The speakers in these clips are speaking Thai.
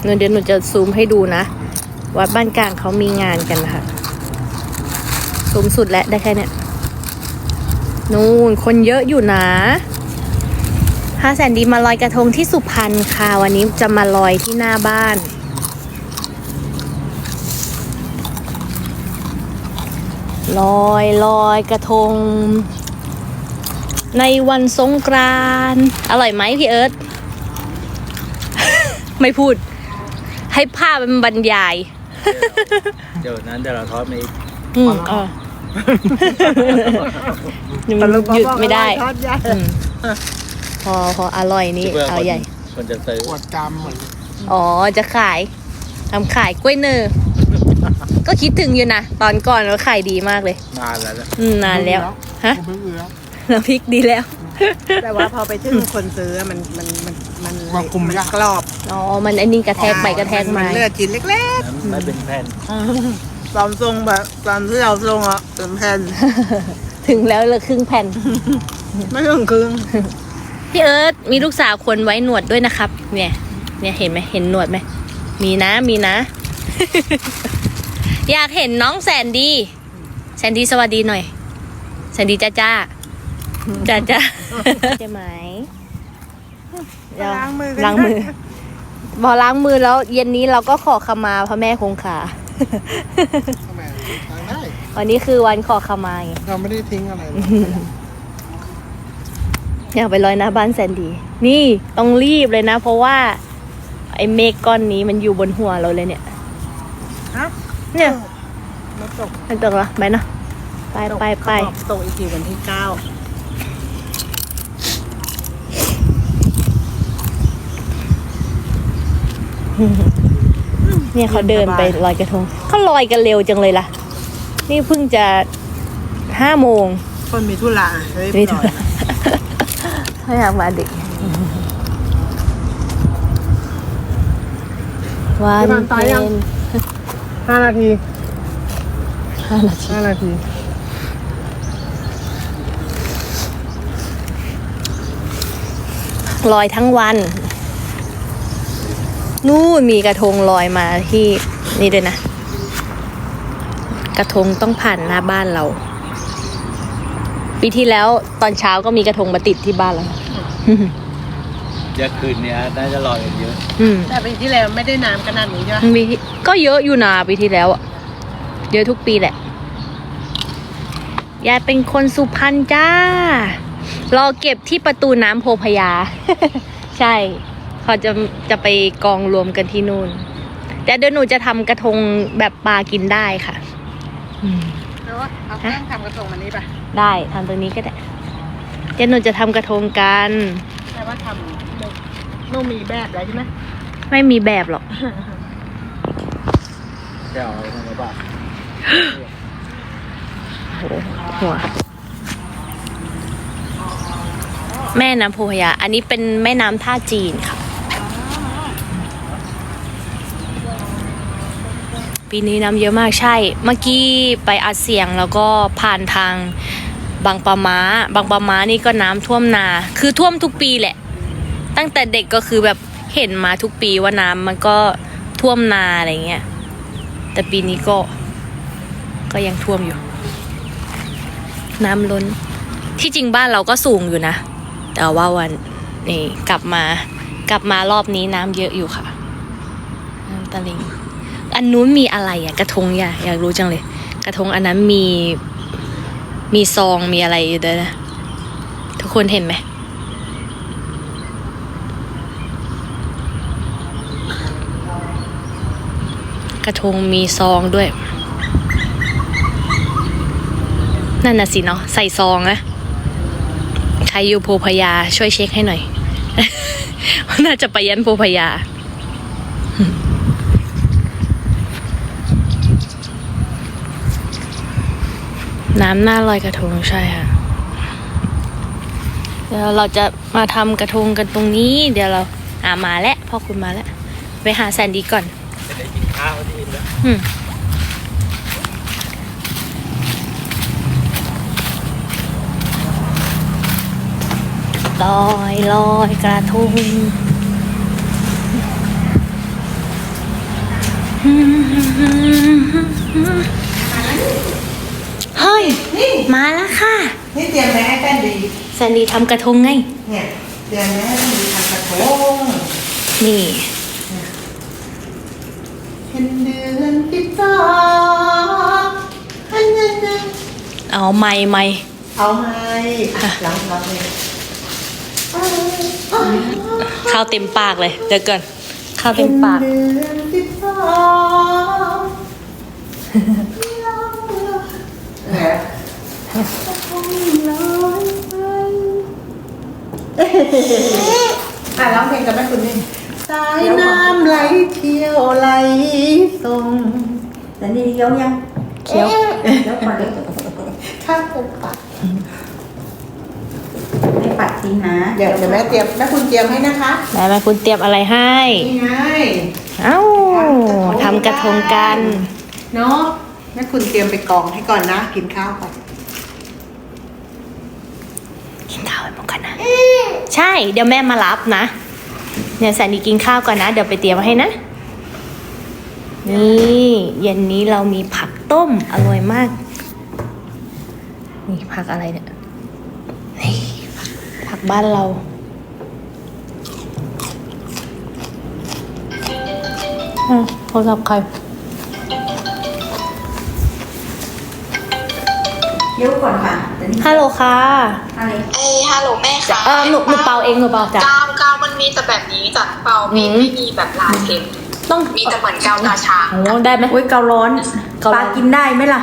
เดี๋ยวหนูจะซูมให้ดูนะวัดบ้านกลางเขามีงานกันนะคะซูมสุดแล้วได้แค่เนี้ยนู่นคนเยอะอยู่นะพาแสนดีมาลอยกระทงที่สุพรรณค่ะวันนี้จะมาลอยที่หน้าบ้านลอยกระทงในวันสงกรานต์อร่อยไหมพี่เอิร์ธ ไม่พูดให้ภาพมันบรรยายเดี๋ยวเราทอดมาอีกมันหยุดไม่ได้พออร่อยนี่เอาใหญ่คนจะซื้อปวดกรรมเหมือนอ๋อจะขายทำขายกล้วยเนอก็คิดถึงอยู่นะตอนก่อนเราขายดีมากเลยนานแล้วนานแล้วฮะน้ำพริกดีแล้วแต่ว่าพอไปถึงคนซื้อมันคุมยากกรอบอ๋อมันไอ้นี่กระแทกไปกระแทกมาเลือดชิ้นเล็กๆไม่เป็นแผ่นตอนทรงแบบตอนที่เราทรงอ่ะเป็นแผ่นถึงแล้วเลยครึ่งแผ่นไม่ถึงครึ่งพี่เอิร์ธมีลูกสาวคนไว้หนวดด้วยนะครับเนี่ยเห็นไหมเห็นหนวดไหมมีนะอยากเห็นน้องแสนดีสวัสดีหน่อยแสนดีจ้าใช่ไหมล้างมือพอล้างมือแล้วเย็นนี้เราก็ขอขมาพระแม่คงคาวันนี้คือวันขอขมาไงเราไม่ได้ทิ้งอะไรอยากไปลอยหน้าบ้านแสนดีนี่ต้องรีบเลยนะเพราะว่าไอ้เมฆก้อนนี้มันอยู่บนหัวเราเลยเนี่ยเนี่ยมันตกเหรอไปเนาะไปตกอีกทีวันที่9 เนี่ยเขาเดินไปลอยกระทงเขาลอยกันเร็วจังเลยล่ะนี่เพิ่งจะ5 โมงคนมีธุระไม่อยากมาดึกวันเพ็ญ 5 นาทีลอยทั้งวันนู่นมีกระทงลอยมาที่นี่ด้วยนะกระทงต้องผ่านหน้าบ้านเราปีที่แล้วตอนเช้าก็มีกระทงมาติดที่บ้านเราเดี๋ยวคืนนี้น่าจะลอยกันเยอะแต่ปีที่แล้วไม่ได้น้ำขนาดนี้ใช่ไหมก็เยอะอยู่นะปีที่แล้วอะเยอะทุกปีแหละยายเป็นคนสุพรรณจ้ารอเก็บที่ประตูน้ำโพพยา ใช่เขาจะไปกองรวมกันที่นู่นแต่เดี๋ยวหนูจะทำกระทงแบบปลากินได้ค่ะแล้วเอาเครื่องทำกระทงมันนี้ป่ะได้ทำตรงนี้ก็ได้เดี๋ยวหนูจะทำกระทงกันแต่ว่าทำนู่นมีแบบอะไรใช่ไหมไม่มีแบบหรอกแก้วอะไรทำไมบ้างหัวแม่น้ำโพพยาอันนี้เป็นแม่น้ำท่าจีนค่ะปีนี้น้ำเยอะมากใช่เมื่อกี้ไปอัดเสียงแล้วก็ผ่านทางบางปะม้านี่ก็น้ำท่วมนาคือท่วมทุกปีแหละตั้งแต่เด็กก็คือแบบเห็นมาทุกปีว่าน้ำมันก็ท่วมนาอะไรเงี้ยแต่ปีนี้ก็ยังท่วมอยู่น้ำล้นที่จริงบ้านเราก็สูงอยู่นะแต่ว่าวันนี้กลับมารอบนี้น้ำเยอะอยู่ค่ะน้ำตะลิงอันนู้นมีอะไรอะกระทงอยากรู้จังเลยกระทงอันนั้นมีซองมีอะไรอยู่ด้วยนะทุกคนเห็นไหมกระทงมีซองด้วยนั่นน่ะสิเนาะใส่ซองนะใครอยู่โพพยาช่วยเช็คให้หน่อย น่าจะไปยันโพพยาน้ำหน้าลอยกระทงใช่ค่ะเดี๋ยวเราจะมาทำกระทงกันตรงนี้เดี๋ยวเรามาแล้วพ่อคุณมาแล้วไปหาแซนดี้ก่อนจะได้กินข้าวที่แล้วลอยกระทงเฮ้ย มาแล้วค่ะนี่เตรียมแม่ให้แป้นดีแซนดี้ทำกระทงไงเนี่ยเตรียมแม่ให้แป้นดีทำกระทงนี่เป็นเดือน12อันนั้นนะเอาไม่เอาไหมหลังเลยข้าวเต็มปากเลย เดี๋ยวก่อนข้าวเต็มปากเป็นเดือน12เนี่ยร้องเพลงกันไหมคุณนี่สายน้ำไหลเที่ยวไหลส่งแต่นี่เคี้ยวยังเคี้ยวเคี้ยวก่อนเลยข้าวปุกปักไม่ปัดทิ้งนะเดี๋ยวแม่เตรียมแม่คุณเตรียมให้นะคะแม่คุณเตรียมอะไรให้นี่ไงเอ้าทำกระทงกันเนาะแม่คุณเตรียมไปกองให้ก่อนนะ กินข้าวก่อนกินข้าวไปหมดกันนะ ใช่ เดี๋ยวแม่มารับนะเนี่ยแซนดี้กินข้าวก่อนนะ เดี๋ยวไปเตรียมไว้ให้นะ นี่เย็นนี้เรามีผักต้มอร่อยมาก นี่ผักอะไรเนี่ย นี่ผักบ้านเรา โทรศัพท์ใครเคี้ยวก่อนค่ะแต่นี่ฮัลโหลค่ะอะไรฮัลโหลแม่คะหนูเป่าเองหนูเป่าจ้ะกาวมันมีแต่แบบนี้จ้ะเปาไม่มีแบบลายเข็มต้องมีแต่เหมือนกาวตาช้างโอ้ได้ไหมโอ้ยเการ้อนเการ้อนปลากินได้ไหมล่ะ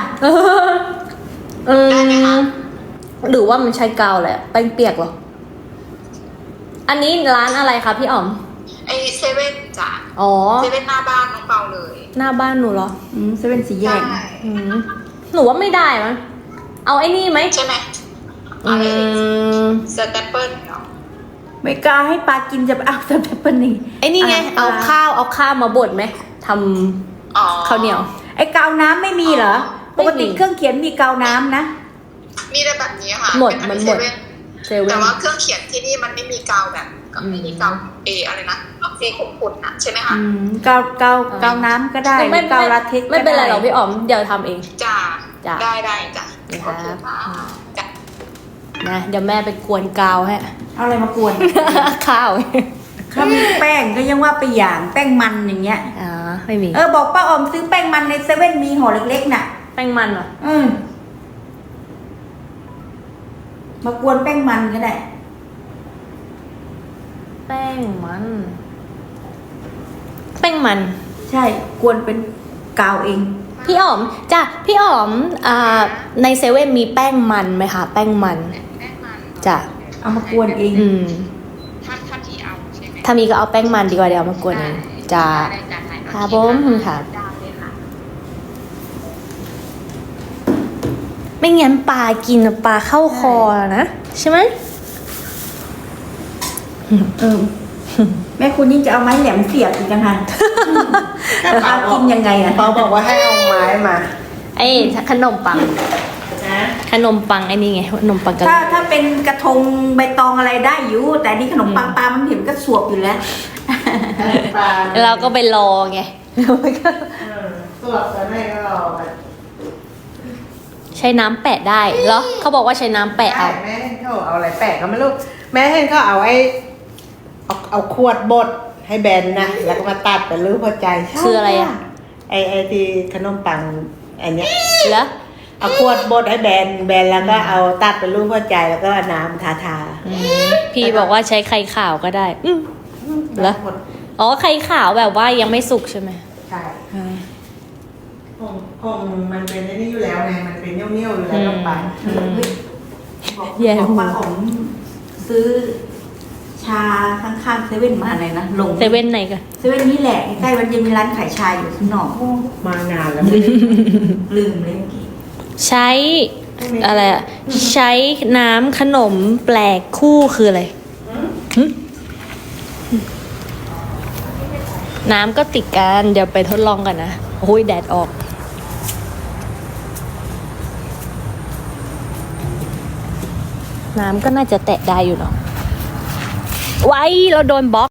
หรือว่ามันใช้กาวแหละแป้งเปียกเหรอ อันนี้ร้านอะไรคะพี่อ๋อมไอเซเว่นจ้ะอ๋อเซเว่นหน้าบ้านน้องเปาเลยหน้าบ้านหนูเหรอเซเว่นสีแยใช่กอืมหนูว่าไม่ได้มั้งเอาไอ้นี่ไหมใช่ไหมอืมสแตปเปิลเนาะไม่กล้าให้ปลากินจะไปเอาแต่เปิ้ลนี่ไอ้นี่ไง เอาข้าวมาบดไหมทอ๋อำข้าวเหนียวไอ้กาวน้ำไม่มีเหรอไม่ปมีกติเครื่องเขียนมีกาวน้ำนะมีแต่แบบนี้ค่ะหมดเป็มันเซหมดเว่นเซเว่แต่นว่าเครื่องเขียนที่นี่มันไม่มีกาวแบบไม่มีกาวอะไรนะสีขุ่นๆนะใช่ไหมคะกาวน้ำก็ได้หรือกาวลาเท็กซ์ไม่เป็นไรหรอกด้พี่อ๋อม เดี๋ยวทำเองจ้าจ้ะได้จ้ะนะครับโอเคค่ะจ้ะนะเดี๋ยวแม่ไปกวนกาวให้เอาอะไรมากวนข้าวถ้ามีแป้งก็ยังว่าไปอย่างแป้งมันอย่างเงี้ยอ๋อไม่มีบอกป้าออมซื้อแป้งมันในเซเว่นมีห่อเล็กๆน่ะแป้งมันเหรอมากวนแป้งมันก็ได้แป้งมัน แป้งมันใช่กวนเป็นกาวเองพี่อ๋อมจ้ะพี่อ๋อมในเซเว่นมีแป้งมันไหมคะแป้งมันแป้งมันจ้ะเอามากวนเองถ้าที่เอาใช่ไหมถ้ามีก็เอาแป้งมันดีกว่าเดี๋ยวเอามากวนเองจ้ะได้จ้ะไหนครับผมค่ะได้เลยค่ะไม่งั้นปลากินปลาเข้าคอนะใช่ไหมแม่คุณยิ่งจะเอาไม้แหลมเสียบอีกกันค่ะปลากินยังไงอ่ะเปาบอกว่าให้เอาไม้มาไอ้ขนมปังขนมปังไอ้นี่ไงขนมปังกะหถ้ารี่เป็นกระทงใบตองอะไรได้อยู่ แต่นี่ขนมปังปลามันเห็นก็สวบอยู่แล้วปลาเราก็ไปรอไงสวดกันให้ก็รอไปใช้น้ำแปะได้เหรอเขาบอกว่าใช้น้ำแปะเอาแม่เห็นเขาเอาอะไรแปะก็ไม่รู้แม่เห็นเขาเอาเอาขวดบดให้แบนนะแล้วก็มาตัดเป็นรูปหัวใจใช่คืออะไรอะไอ้ที่ขนมปังอันเนี้ยเหรอเอาขวดบดให้แบนแล้วก็เอาตัดเป็นรูปหัวใจแล้วก็เอาน้ำทาพี่บอกว่าใช้ไข่ขาวก็ได้เหรออ๋อไข่ขาวแบบว่ายังไม่สุกใช่ไหมใช่คงมันเป็นไอ้นี่อยู่แล้วไงมันเป็นเนี้ยวๆอยู่แล้วลงไปแย่ของหูปลาผมซื้อชาข้างๆเซเว่นมาอะไรนะลงเซเว่นไหนกันเซเว่นนี่แหละใกล้ๆวันเย็นมีร้านขายชาอยู่ข้างนอกมานานแล้วไม่ได้ลืมเลยเมื่อกี้ใช้อะไรอะใช้น้ำขนมแปลกคู่คืออะไรหึน้ำก็ติดกันเดี๋ยวไปทดลองกันนะโอ้ยแดดออก น้ำก็น่าจะแตะได้อยู่เนาะไว้เราโดนบล็อก